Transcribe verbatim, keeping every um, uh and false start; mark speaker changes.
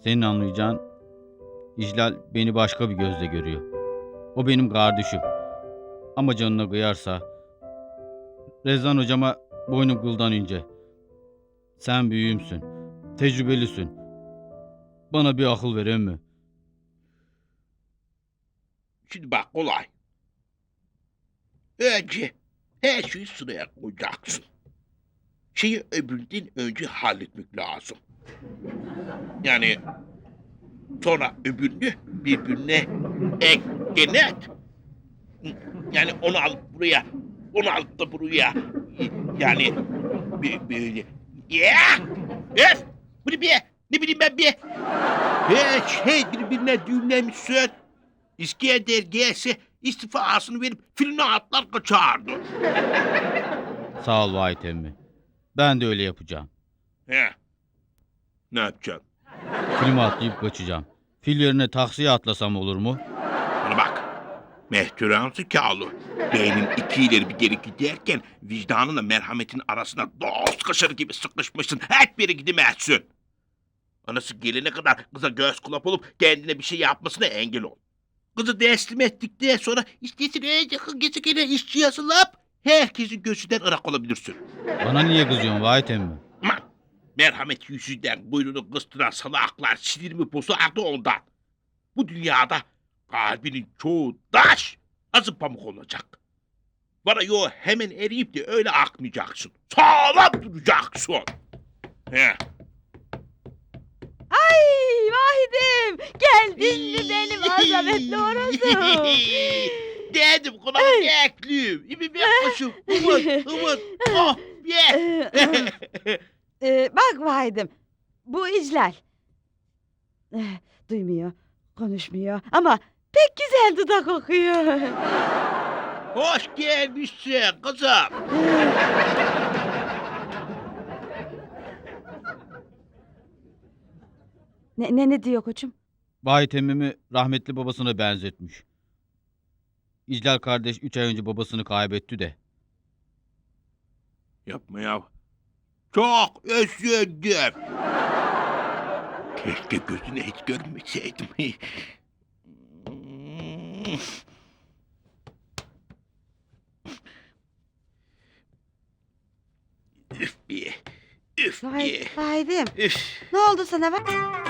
Speaker 1: Senin anlayacağın İclal beni başka bir gözle görüyor. O benim kardeşim. Ama canına kıyarsa Rezan hocama boynum kıldan ince. Sen büyüğümsün. Tecrübelisin. Bana bir akıl ver emmi.
Speaker 2: Şimdi bak kolay. Önce her şeyi sıraya koyacaksın. Şeyi öbüründen önce halletmek lazım. Yani sonra öbürünü birbirine eklenet. Yani onu alıp buraya, onu alıp da buraya. Yani bir- böyle. Ya! Öf! Bu ne be? Ne bileyim ben be? Her şey birbirine düğümlemişsin. İskender gelse istifasını verip filmine atlar kaçardı.
Speaker 1: Sağ ol Vahit emmi. Ben de öyle yapacağım.
Speaker 2: He. Ne yapacaksın?
Speaker 1: Filme atlayıp kaçacağım. Fil yerine taksiye atlasam olur mu?
Speaker 2: Bana bak. Mehteran zekalı. Beynin iki ileri bir geri giderken vicdanınla merhametin arasına dost kaşarı gibi sıkışmışsın. Hep biri gidemezsin. Anası gelene kadar kıza göz kulak olup kendine bir şey yapmasına engel ol. Kızı teslim ettikten sonra istesin en yakın gezegene işçi yazılıp herkesin gözünden ırak olabilirsin.
Speaker 1: Bana niye kızıyorsun Vahit emmi?
Speaker 2: Aman! Merhamet yüzünden buyruğunu kıstıran salaklar sinirimi bozardı ondan. Bu dünyada kalbinin çoğu taş, azı pamuk olacak. Bana yo hemen eriyip de öyle akmayacaksın. Sağlam duracaksın. He.
Speaker 3: Ay Vahidim, geldin mi benim azametli orası?
Speaker 2: Dedim kulağımı bekliyim. İbi bir kuşum. Umut, umut. Oh, ye.
Speaker 3: Ee, bak Vahidim, bu İclal. Eh, duymuyor, konuşmuyor ama pek güzel dudak okuyor.
Speaker 2: Hoş gelmişsin kızım.
Speaker 3: Ne, ne, ne diyor koçum?
Speaker 1: Vahit emmimi rahmetli babasına benzetmiş. İclal kardeş üç ay önce babasını kaybetti de.
Speaker 2: Yapma ya. Çok özledim. Keşke gözüne hiç görmeseydim. Üf bir. Üf bir.
Speaker 3: Vahid, Vahidim,
Speaker 2: Üf.
Speaker 3: ne oldu sana bak?